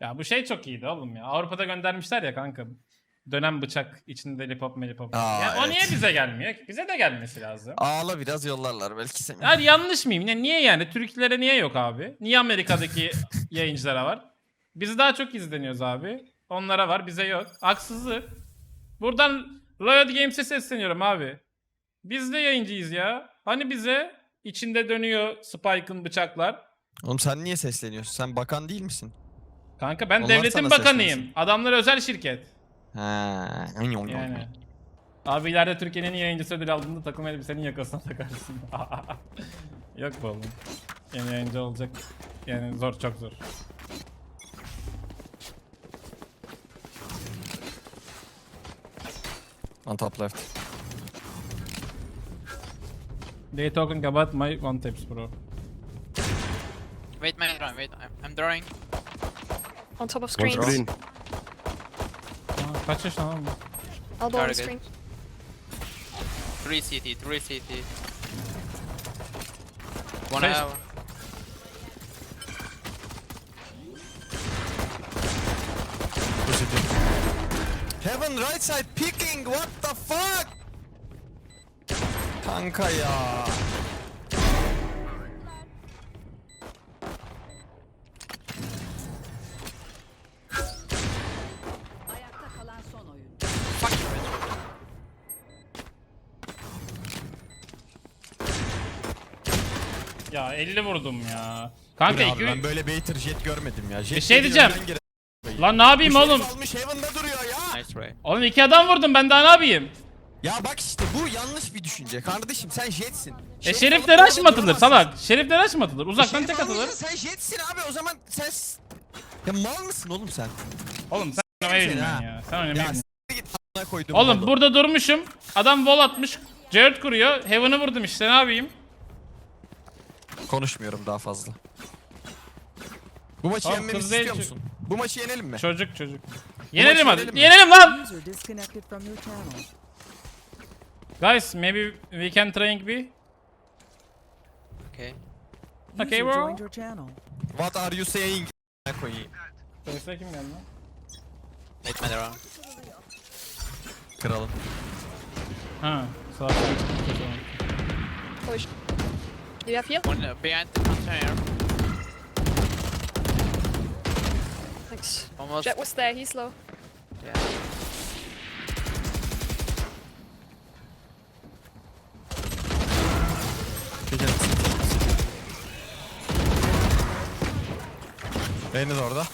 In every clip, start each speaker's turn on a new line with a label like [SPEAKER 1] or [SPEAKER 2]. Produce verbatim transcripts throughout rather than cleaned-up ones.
[SPEAKER 1] Ya bu şey çok iyiydi oğlum ya. Avrupa'da göndermişler ya kanka. Dönem bıçak içinde lipop melipop.
[SPEAKER 2] Aa,
[SPEAKER 1] Ya o
[SPEAKER 2] evet.
[SPEAKER 1] niye bize gelmiyor ki? Bize de gelmesi lazım.
[SPEAKER 2] Ağla biraz yollarlar belki seni.
[SPEAKER 1] Yani yanlış mıyım? Ne, niye yani? Türklere niye yok abi? Niye Amerika'daki yayıncılara var? Biz daha çok izleniyoruz abi. Onlara var, bize yok. Haksızlık. Buradan Riot Games'e sesleniyorum abi. Biz de yayıncıyız ya. Hani bize içinde dönüyor Spike'ın bıçaklar.
[SPEAKER 2] Oğlum sen niye sesleniyorsun? Sen bakan değil misin?
[SPEAKER 1] Kanka ben
[SPEAKER 2] Onlar
[SPEAKER 1] devletin
[SPEAKER 2] sana
[SPEAKER 1] bakanıyım.
[SPEAKER 2] seslensin.
[SPEAKER 1] Adamlar özel şirket.
[SPEAKER 2] Ha.
[SPEAKER 1] Yani. Abi ileride Türkiye'nin en iyi yayıncısı ödül aldığında takım elbisenin yakasına takarsın. Yok bu oğlum. Yeni yayıncı olacak. Yani zor, çok zor.
[SPEAKER 2] On top left.
[SPEAKER 1] They talking about my one taps bro.
[SPEAKER 3] Wait, man, run, wait. I'm, I'm drawing.
[SPEAKER 4] On top of
[SPEAKER 2] One
[SPEAKER 4] screens.
[SPEAKER 2] screen.
[SPEAKER 1] Aa, kaç yaş lan bu?
[SPEAKER 4] Elbow on the
[SPEAKER 3] Target.
[SPEAKER 4] screen.
[SPEAKER 3] Three C T, three C T. One
[SPEAKER 1] Face-
[SPEAKER 3] hour.
[SPEAKER 2] Heaven right side picking. What the fuck? Kanka ya.
[SPEAKER 5] Ayakta kalan son oyun.
[SPEAKER 3] Fuck you, bitch.
[SPEAKER 1] Ya elli vurdum ya.
[SPEAKER 2] Bu
[SPEAKER 1] Kanka
[SPEAKER 2] ne abi,
[SPEAKER 1] iki...
[SPEAKER 2] ben böyle baiter jet görmedim ya. Jet
[SPEAKER 1] Bir şey
[SPEAKER 2] geliyor,
[SPEAKER 1] diyeceğim.
[SPEAKER 2] önden gire-
[SPEAKER 1] Lan ne yapayım
[SPEAKER 2] Bu şerif
[SPEAKER 1] oğlum?
[SPEAKER 2] almış Heaven'da duruyor ya.
[SPEAKER 3] Nice try.
[SPEAKER 1] Oğlum iki adam vurdum, ben daha ne yapayım?
[SPEAKER 2] Ya bak işte bu yanlış bir düşünce. Kardeşim sen jetsin.
[SPEAKER 1] E
[SPEAKER 2] Şerif
[SPEAKER 1] şerifler
[SPEAKER 2] alıp
[SPEAKER 1] aç mı
[SPEAKER 2] orada
[SPEAKER 1] atılır
[SPEAKER 2] duramazsın.
[SPEAKER 1] salak? Şerifler aç mı atılır? Uzaktan
[SPEAKER 2] Şerif
[SPEAKER 1] tek atılır.
[SPEAKER 2] almayınca sen jetsin abi o zaman sen... s- Ya mal mısın oğlum sen?
[SPEAKER 1] Oğlum sen oynamayı
[SPEAKER 2] seni
[SPEAKER 1] bilmiyorsun
[SPEAKER 2] ha.
[SPEAKER 1] ya. Sen oynamayı
[SPEAKER 2] Ya
[SPEAKER 1] bilmiyorsun.
[SPEAKER 2] s**t git a**ına koydum.
[SPEAKER 1] Oğlum
[SPEAKER 2] oğlum.
[SPEAKER 1] burada durmuşum. Adam wall atmış. Jared kuruyor. Heaven'ı vurdum işte, ne yapayım?
[SPEAKER 2] Konuşmuyorum daha fazla. Bu maçı
[SPEAKER 1] Oğlum,
[SPEAKER 2] yenmemizi
[SPEAKER 1] kız değil
[SPEAKER 2] istiyor
[SPEAKER 1] çünkü.
[SPEAKER 2] musun? Bu maçı yenelim mi?
[SPEAKER 1] Çocuk çocuk. Yenelim hadi.
[SPEAKER 2] yenelim mi?
[SPEAKER 1] Yenelim lan.
[SPEAKER 5] User disconnected from your channel.
[SPEAKER 1] Guys, maybe we can trying be.
[SPEAKER 3] Okay.
[SPEAKER 1] Okay,
[SPEAKER 5] User
[SPEAKER 1] bro.
[SPEAKER 5] joined your channel.
[SPEAKER 2] What are you saying? A**ına koyayım.
[SPEAKER 1] Sesle kim geldi lan?
[SPEAKER 3] Wait, man, around.
[SPEAKER 2] Kralım.
[SPEAKER 1] Ha, sağ ol.
[SPEAKER 4] Push. Do you have heal?
[SPEAKER 3] One uh, behind the container.
[SPEAKER 4] Thanks.
[SPEAKER 3] Almost.
[SPEAKER 4] Jet was there, he's low.
[SPEAKER 3] Yeah.
[SPEAKER 2] Gece. Beyni de orada.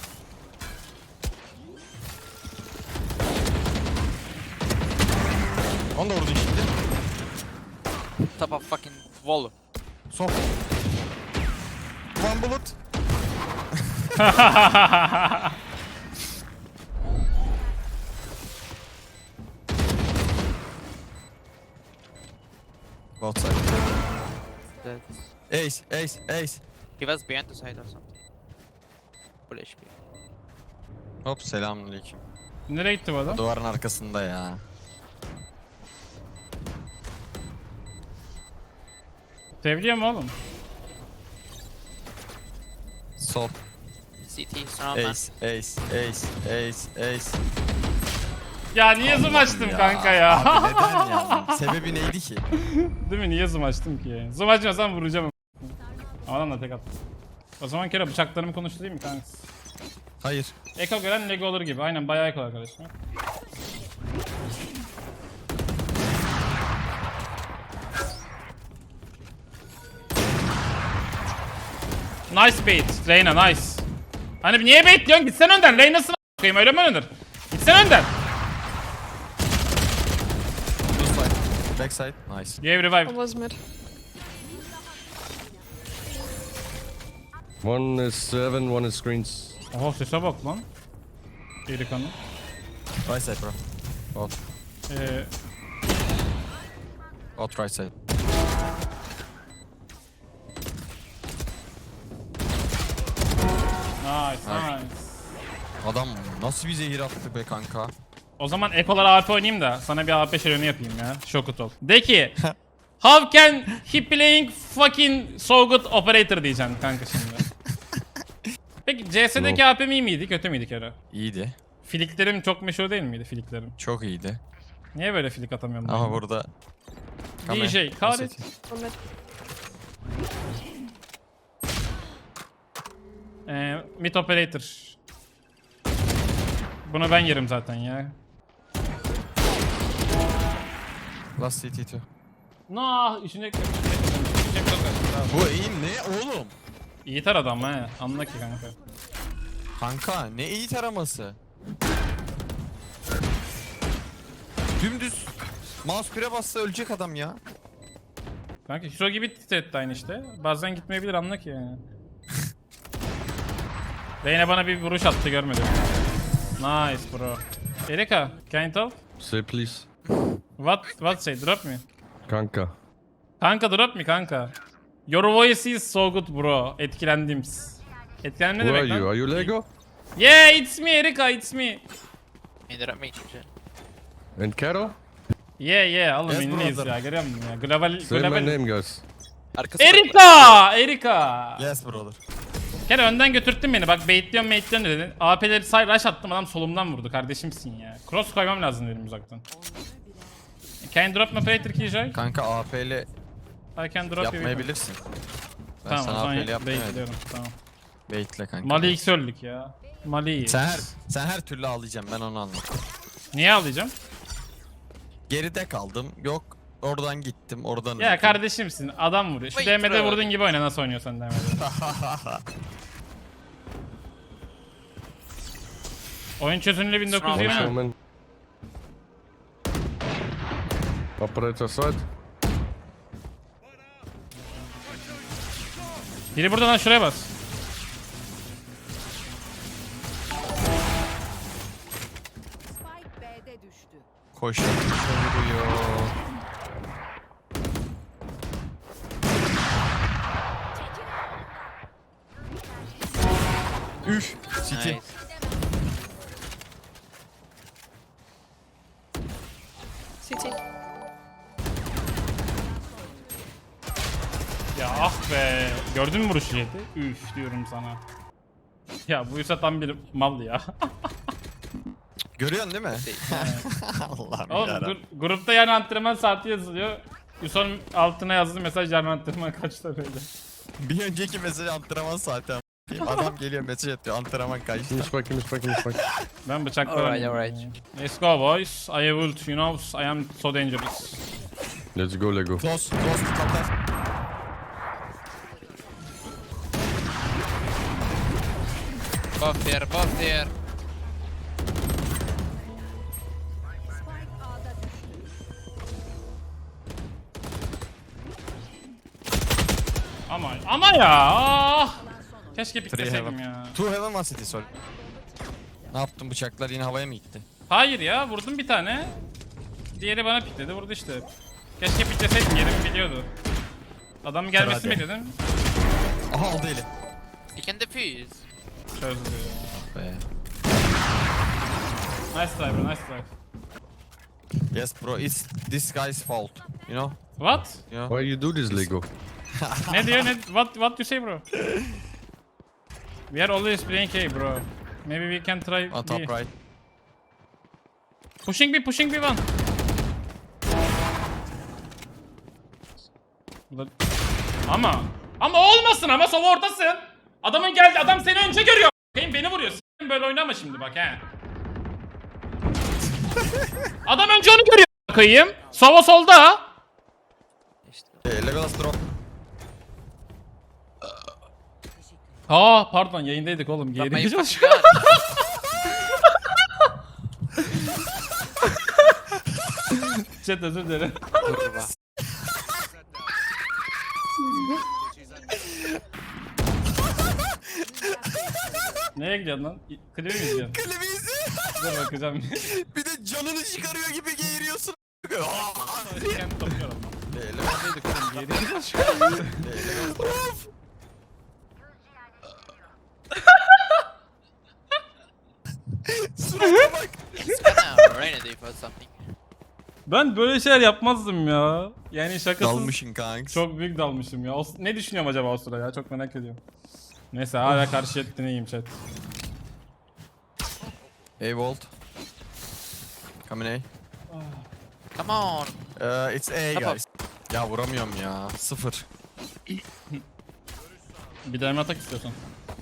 [SPEAKER 2] Onu da vurdun şimdi.
[SPEAKER 3] Top of fucking wall.
[SPEAKER 2] Sok. One bullet. Both side.
[SPEAKER 3] That's...
[SPEAKER 2] Ace, ace, ace.
[SPEAKER 3] He was behind the side or something. Full H P.
[SPEAKER 2] Hop selamünaleyküm.
[SPEAKER 1] Nereye gitti bu adam?
[SPEAKER 2] Duvarın arkasında ya.
[SPEAKER 1] Seviliyor mu oğlum?
[SPEAKER 2] Sol.
[SPEAKER 3] C T, surround man.
[SPEAKER 2] Ace, ace, ace, ace, ace.
[SPEAKER 1] Ya niye zoom açtım kanka ya?
[SPEAKER 2] Abi neden ya? Sebebi neydi ki?
[SPEAKER 1] Değil mi? Niye zoom açtım ki? Zoom açmasam vuracağım. Adam da tek attı. O zaman kere bıçaklarımı konuşturayım mı kanka?
[SPEAKER 2] Hayır.
[SPEAKER 1] Eko gören Lego olur gibi. Aynen bayağı eko arkadaşlar. Nice bait. Reyna nice. Hani niye bait diyorsun? Gitsen önden. Reyna'sını a**ayım, öyle mi oynanır? Gitsen önden.
[SPEAKER 2] Blue side. Back side. Nice.
[SPEAKER 1] Gave revive.
[SPEAKER 4] One was mid.
[SPEAKER 6] One is seven, one is screens.
[SPEAKER 1] Oha sese bak lan. İyi kanı.
[SPEAKER 2] Right side bro. Out.
[SPEAKER 1] Ee,
[SPEAKER 2] Out right side.
[SPEAKER 1] nice nice.
[SPEAKER 2] Adam nasıl bir zehir attı be kanka.
[SPEAKER 1] O zaman ekolara A P oynayayım da sana bir A P şöleni yapayım ya. Şokut ol. De ki how can he playing fucking so good operator diyeceksin kanka şimdi. Peki C S'deki A P M iyi miydi, kötü müydü Kero?
[SPEAKER 7] İyiydi.
[SPEAKER 1] Filiklerim çok meşhur değil miydi filiklerim?
[SPEAKER 7] Çok iyiydi.
[SPEAKER 1] Niye böyle filik atamıyorum? ben?
[SPEAKER 7] Ama burada...
[SPEAKER 1] D J, kahret.
[SPEAKER 4] One mid.
[SPEAKER 1] Ee, mid operator. Bunu ben yerim zaten ya.
[SPEAKER 7] Last C T two.
[SPEAKER 1] No, işine
[SPEAKER 7] Bu iyi ne oğlum?
[SPEAKER 1] İyi tar adam he. Anla ki kanka.
[SPEAKER 7] Kanka ne iyi taraması. Dümdüz mouse pire bassa ölecek adam ya.
[SPEAKER 1] Kanka hero gibi titretti aynı işte. Bazen gitmeyebilir anla ki yani. Reyna bana bir vuruş attı görmedim. Nice bro. Erika, can you tell?
[SPEAKER 6] Say please.
[SPEAKER 1] What, what say? Drop me.
[SPEAKER 6] Kanka.
[SPEAKER 1] Kanka drop me kanka. Your voice is so good bro. Etkilendim. Etkilendim ne
[SPEAKER 6] Who are
[SPEAKER 1] demek
[SPEAKER 6] you?
[SPEAKER 1] lan?
[SPEAKER 6] Are you Lego?
[SPEAKER 1] Yeah, it's me Erika, it's me.
[SPEAKER 3] Either at me, shit.
[SPEAKER 6] And Carol?
[SPEAKER 1] Yeah yeah, oğlum
[SPEAKER 7] Yes,
[SPEAKER 1] ünlüyüz
[SPEAKER 7] brother.
[SPEAKER 1] ya, görüyor musun ya? Global,
[SPEAKER 6] Say my
[SPEAKER 1] global.
[SPEAKER 6] name, guys.
[SPEAKER 3] Arkası
[SPEAKER 1] Erika! Erika!
[SPEAKER 7] Yes brother.
[SPEAKER 1] Kere önden götürttün beni, bak baitliyorum baitliyorum dedin. A P'leri say rush attım, adam solumdan vurdu, kardeşimsin ya. Cross koymam lazım dedim uzaktan. Can you drop my operator keyjoy?
[SPEAKER 7] Kanka A P ile
[SPEAKER 1] I can drop you.
[SPEAKER 7] yapmayabilirsin. Ben
[SPEAKER 1] Tamam o
[SPEAKER 7] sana A
[SPEAKER 1] zaman
[SPEAKER 7] P ile yapmayabilirim.
[SPEAKER 1] baitliyorum, tamam.
[SPEAKER 7] Baitle kanka.
[SPEAKER 1] Mali X öldük ya. Mali.
[SPEAKER 7] Sen her, sen her türlü ağlayacaksın ben onu anladım.
[SPEAKER 1] Niye alacağım?
[SPEAKER 7] Geride kaldım. Yok oradan gittim oradan
[SPEAKER 1] Ya
[SPEAKER 7] öldüm.
[SPEAKER 1] kardeşimsin, adam vuruyor. Şu
[SPEAKER 3] Wait,
[SPEAKER 1] D M'de
[SPEAKER 3] bro.
[SPEAKER 1] vurduğun gibi oyna, nasıl oynuyorsan D M'de. Oyun çözünürlüğü bin dokuz yüz
[SPEAKER 6] One
[SPEAKER 1] yirmi.
[SPEAKER 6] showman. Operator side.
[SPEAKER 1] Biri burada lan, şuraya bas.
[SPEAKER 5] Spike B'de düştü.
[SPEAKER 7] Koşuyor vuruyor. Üf. City.
[SPEAKER 3] Nice.
[SPEAKER 4] C T.
[SPEAKER 1] Ya ah be. Gördün mü vuruşu yedi? Üf diyorum sana. Ya bu Yusuf tam bir mal ya.
[SPEAKER 7] Görüyorsun değil mi? Allah'ım
[SPEAKER 1] Oğlum
[SPEAKER 7] yarabbim.
[SPEAKER 1] gur- grupta yani antrenman saati yazılıyor. Yusuf'un altına yazdığı mesaj yarın antrenman kaçta böyle.
[SPEAKER 7] Bir önceki mesaj antrenman saati am- Adam geliyor mesaj atıyor antrenman kaçta.
[SPEAKER 6] Finish back, finish back, finish back.
[SPEAKER 1] Ben bıçakla
[SPEAKER 3] Alright,
[SPEAKER 1] oynayayım.
[SPEAKER 3] alright.
[SPEAKER 1] Let's go boys. I have ult, you know, I am so dangerous.
[SPEAKER 6] Let's go, Lego.
[SPEAKER 7] Close, close to top left.
[SPEAKER 3] Both there, both there.
[SPEAKER 5] Spike A'da düştü.
[SPEAKER 1] Ama ama ya. Ah! Keşke
[SPEAKER 7] Three
[SPEAKER 1] pikleseydim
[SPEAKER 7] heaven.
[SPEAKER 1] ya.
[SPEAKER 7] Two heaven one city sorry. Ne yaptın bıçaklar yine havaya mı gitti?
[SPEAKER 1] Hayır ya, vurdum bir tane. Diğeri bana pikledi, vurdu işte. Keşke pikleseydim, yerimi biliyordu. Adamın gelmesini
[SPEAKER 7] hadi.
[SPEAKER 1] bekledim.
[SPEAKER 7] Aha aldı eli.
[SPEAKER 3] You can defuse.
[SPEAKER 1] Çözdü.
[SPEAKER 7] Be.
[SPEAKER 1] Nice try bro, nice try.
[SPEAKER 7] Yes bro it's this guy's fault. You know?
[SPEAKER 1] What?
[SPEAKER 7] You know?
[SPEAKER 6] Why you do this, Lego?
[SPEAKER 1] Ne diyor ne? What what you say bro? We are always playing A bro. Maybe we can try
[SPEAKER 7] On top
[SPEAKER 1] B.
[SPEAKER 7] right.
[SPEAKER 1] Pushing B, pushing B one. Burada- Ama ama olmasın, ama sova ortasın. Adamın geldi, adam seni önce görüyor. Bakayım beni vuruyor. S**eyim, böyle oynama şimdi bak he. Adam önce onu görüyor. Bakayım. Sova solda.
[SPEAKER 7] Hey, Legolas drop.
[SPEAKER 1] Aa pardon, yayındaydık oğlum.
[SPEAKER 3] Drop my
[SPEAKER 1] Geri
[SPEAKER 3] fucking gun.
[SPEAKER 1] Chat özür dilerim.
[SPEAKER 3] Kurwa.
[SPEAKER 1] Neye gidiyorsun lan? Klibi mi izliyorsun?
[SPEAKER 7] Klibi izle.
[SPEAKER 1] Dur bakacağım.
[SPEAKER 7] Bir de canını çıkarıyor gibi geğiriyorsun.
[SPEAKER 1] Kendi topluyorum.
[SPEAKER 7] Hey, Legolas
[SPEAKER 1] Yayındaydık oğlum. Geri
[SPEAKER 7] hey, Legolas drop. Surata bak.
[SPEAKER 3] It's gonna rain a day for something.
[SPEAKER 1] Ben böyle şeyler yapmazdım ya. Yani şakasız.
[SPEAKER 7] Dalmışın kanks.
[SPEAKER 1] Çok büyük dalmışım ya. O, ne düşünüyorum acaba o sıra ya? Çok merak ediyorum. Neyse hala karşı ettiğini iyiyim chat.
[SPEAKER 7] A vault. Coming A.
[SPEAKER 3] Come on.
[SPEAKER 7] Uh, it's A
[SPEAKER 3] Tamam.
[SPEAKER 7] guys. Ya vuramıyorum ya. Sıfır.
[SPEAKER 1] Bir deneme atak istiyorsan.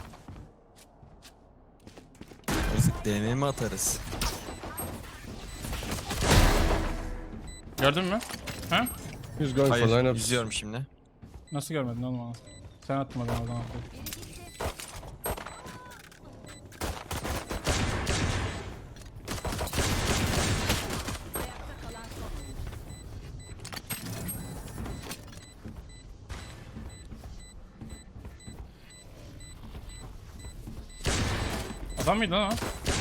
[SPEAKER 7] Biz deneme mi atarız?
[SPEAKER 1] Gördün mü? Ha?
[SPEAKER 6] He's going for
[SPEAKER 7] Hayır,
[SPEAKER 6] lineups.
[SPEAKER 7] izliyorum şimdi.
[SPEAKER 1] Nasıl görmedin oğlum onu? Sen atmadın o zaman. Adam mıydı lan o?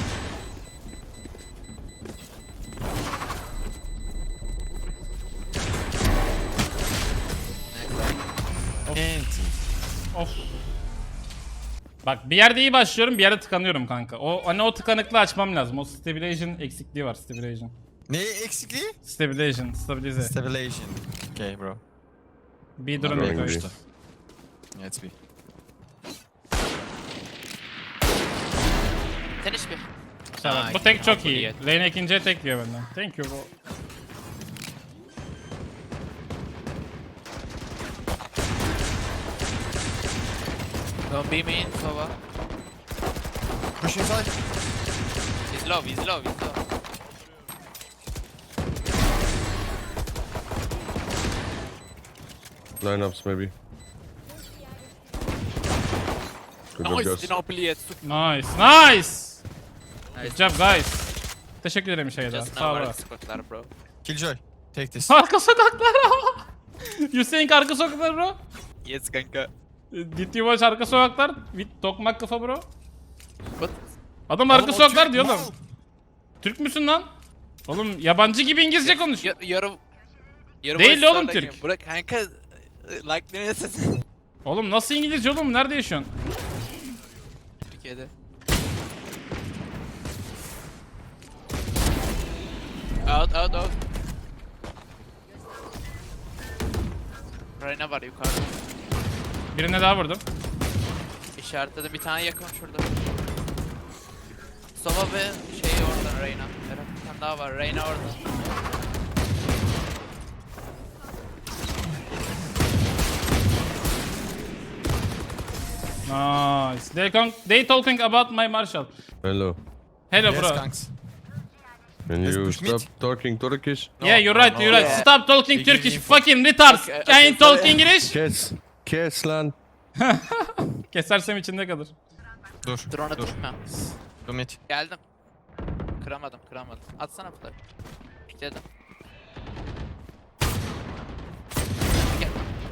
[SPEAKER 7] Enti.
[SPEAKER 1] Of. Bak bir yerde iyi başlıyorum, bir yerde tıkanıyorum kanka. O hani o tıkanıklığı açmam lazım. O stabilization eksikliği var, stabilization.
[SPEAKER 7] Ne eksikliği?
[SPEAKER 1] Stabilization, stabilize.
[SPEAKER 7] Stabilization. Okay bro.
[SPEAKER 1] Bir durum
[SPEAKER 6] Drawing
[SPEAKER 1] bekliyor
[SPEAKER 6] B.
[SPEAKER 1] işte.
[SPEAKER 7] Let's be.
[SPEAKER 3] Finish bir.
[SPEAKER 1] Tamam,
[SPEAKER 3] Aa,
[SPEAKER 1] bu tek çok
[SPEAKER 3] iyi.
[SPEAKER 1] iyi. Lane ikinciye tek diyor benden. Thank you bro.
[SPEAKER 3] Don't be mean, Sova.
[SPEAKER 7] Push inside.
[SPEAKER 3] He's low, he's low, he's low.
[SPEAKER 6] Lineups maybe. Good job,
[SPEAKER 3] Nice,
[SPEAKER 6] guys.
[SPEAKER 3] Dinopoly at
[SPEAKER 1] Nice, nice. Good
[SPEAKER 3] Nice.
[SPEAKER 1] job guys. Teşekkür ederim şey daha.
[SPEAKER 3] Just
[SPEAKER 1] Sağ
[SPEAKER 3] now
[SPEAKER 1] ol.
[SPEAKER 3] var squatlar bro.
[SPEAKER 7] Killjoy. Take this.
[SPEAKER 1] Arka sokaklar. You saying arka sokaklar bro?
[SPEAKER 3] Yes kanka.
[SPEAKER 1] Did you watch arka sokaklar? With tokmak kafa bro.
[SPEAKER 3] What?
[SPEAKER 1] Adam arka
[SPEAKER 7] Oğlum o
[SPEAKER 1] sokaklar
[SPEAKER 7] Türk
[SPEAKER 1] diyor
[SPEAKER 7] mal.
[SPEAKER 1] oğlum. Türk müsün lan? Oğlum yabancı gibi İngilizce konuş.
[SPEAKER 3] Yar yarı... Yarı
[SPEAKER 1] Değil
[SPEAKER 3] voice
[SPEAKER 1] oğlum
[SPEAKER 3] star'daki-
[SPEAKER 1] Türk.
[SPEAKER 3] Bırak kanka. Like ne sesin?
[SPEAKER 1] Oğlum nasıl İngilizce oğlum? Nerede yaşıyorsun?
[SPEAKER 3] Türkiye'de. Out, out, out. Reyna var yukarıda.
[SPEAKER 1] Birine daha vurdum.
[SPEAKER 3] İşaretledim bir tane yakın şurada. Sova ve şey orada Reyna. Eren bir tane daha var. Reyna orada.
[SPEAKER 1] Nice. They, con they talking about my Marshall.
[SPEAKER 6] Hello.
[SPEAKER 1] Hello
[SPEAKER 7] Yes
[SPEAKER 1] bro.
[SPEAKER 7] kanks.
[SPEAKER 6] Can
[SPEAKER 7] Let's
[SPEAKER 6] you
[SPEAKER 7] push
[SPEAKER 6] stop
[SPEAKER 7] mid.
[SPEAKER 6] talking Turkish?
[SPEAKER 1] Yeah, you're right,
[SPEAKER 7] no,
[SPEAKER 1] you're right.
[SPEAKER 3] yeah.
[SPEAKER 1] Stop talking
[SPEAKER 7] You give
[SPEAKER 1] Turkish,
[SPEAKER 7] info.
[SPEAKER 1] fucking retards.
[SPEAKER 3] Okay,
[SPEAKER 1] Can you
[SPEAKER 3] okay,
[SPEAKER 1] talk
[SPEAKER 3] sorry.
[SPEAKER 1] English?
[SPEAKER 6] Kes. Kes lan.
[SPEAKER 1] Kesersem içinde kalır.
[SPEAKER 7] Dur.
[SPEAKER 3] Drone'a
[SPEAKER 7] Dur.
[SPEAKER 3] düşme.
[SPEAKER 7] Dur mid.
[SPEAKER 3] Geldim. Kıramadım, kıramadım. Atsana flash. Pikledim. Gel.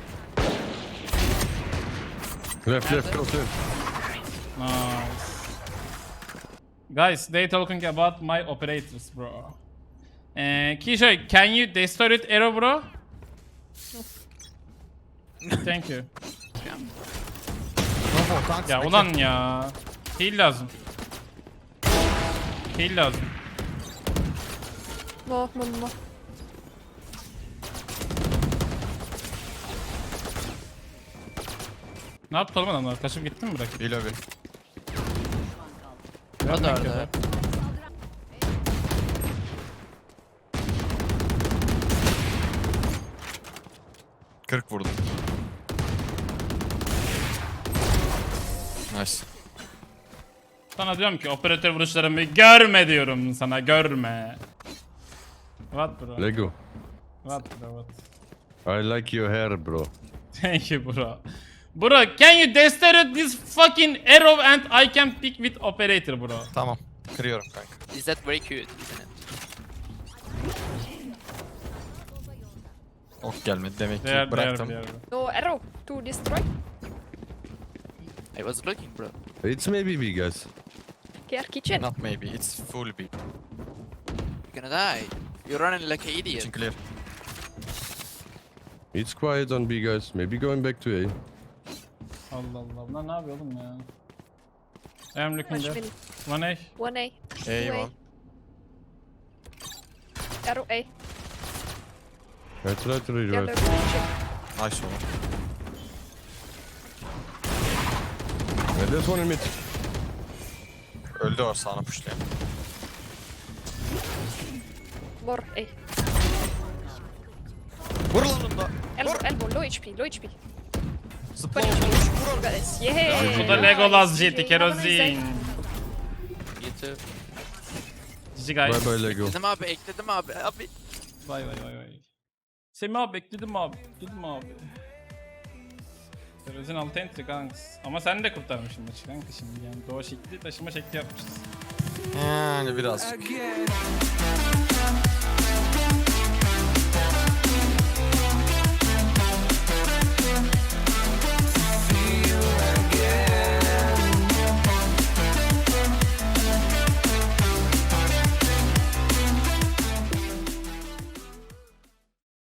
[SPEAKER 6] Left, left,
[SPEAKER 3] Nerede?
[SPEAKER 6] close left.
[SPEAKER 1] Nice. Guys, they talking about my operators, bro. Uh, Kishoy, can you destroy it arrow, bro? Thank you.
[SPEAKER 7] No more kanks.
[SPEAKER 1] Ya
[SPEAKER 7] bekle.
[SPEAKER 1] ulan ya. Heal lazım. Heal lazım.
[SPEAKER 4] No, no, no.
[SPEAKER 1] Ne yaptı oğlum adamlar? Kaçıp gitti mi bırakıp?
[SPEAKER 7] Bir lobby.
[SPEAKER 3] O da orada.
[SPEAKER 7] kırk vurdum. Nice.
[SPEAKER 1] Sana diyorum ki operatör vuruşlarımı görme diyorum sana, görme. What bro?
[SPEAKER 6] Lego.
[SPEAKER 1] What bro? What?
[SPEAKER 6] I like your hair, bro.
[SPEAKER 1] Thank you bro. Bro, can you destroy this fucking arrow and I can pick with operator bro.
[SPEAKER 7] Tamam. Kırıyorum kanka.
[SPEAKER 3] Is that very cute, isn't it?
[SPEAKER 7] Ok gelmedi demek ki
[SPEAKER 1] There, there,
[SPEAKER 7] bıraktım.
[SPEAKER 1] there.
[SPEAKER 4] No arrow to destroy.
[SPEAKER 3] I was looking bro.
[SPEAKER 6] It's maybe B, guys.
[SPEAKER 4] Here, kitchen.
[SPEAKER 7] Not maybe, it's full B.
[SPEAKER 3] You're gonna die. You're running like an idiot.
[SPEAKER 7] Kitchen clear.
[SPEAKER 6] It's quiet on B, guys. Maybe going back to A.
[SPEAKER 1] Allah Allah. Bunlar ne yapıyor oğlum ya? I am looking
[SPEAKER 4] Watch
[SPEAKER 1] there.
[SPEAKER 4] me.
[SPEAKER 1] One A.
[SPEAKER 4] One A. Two
[SPEAKER 7] A
[SPEAKER 4] A.
[SPEAKER 7] one.
[SPEAKER 4] Arrow A.
[SPEAKER 6] I try to
[SPEAKER 4] Yellow
[SPEAKER 6] revive.
[SPEAKER 4] kitchen.
[SPEAKER 7] Nice one.
[SPEAKER 6] Yeah, there's one in mid.
[SPEAKER 7] Öldü o sağına pushlayan.
[SPEAKER 4] More A.
[SPEAKER 7] Vur lan onu da.
[SPEAKER 4] Elbow, elbow, low H P, low H P.
[SPEAKER 7] Zıpla
[SPEAKER 4] twenty
[SPEAKER 7] oğlum.
[SPEAKER 4] H P. Vur guys. Yeah.
[SPEAKER 1] Bu da Legolas
[SPEAKER 4] Nice.
[SPEAKER 1] jeti
[SPEAKER 4] G G, have a nice day.
[SPEAKER 1] kerozin.
[SPEAKER 3] You too.
[SPEAKER 1] G G guys.
[SPEAKER 6] Bye bye Lego.
[SPEAKER 3] Ekledim abi, ekledim abi. Abi.
[SPEAKER 1] Vay vay vay vay. Semih abi bekledim abi. Bekledim abi. Kerozin altı entry kanks. Ama sen de kurtarmışsın maçı kanka şimdi yani. Doğa şekli taşıma şekli yapmışız.
[SPEAKER 7] Yani birazcık.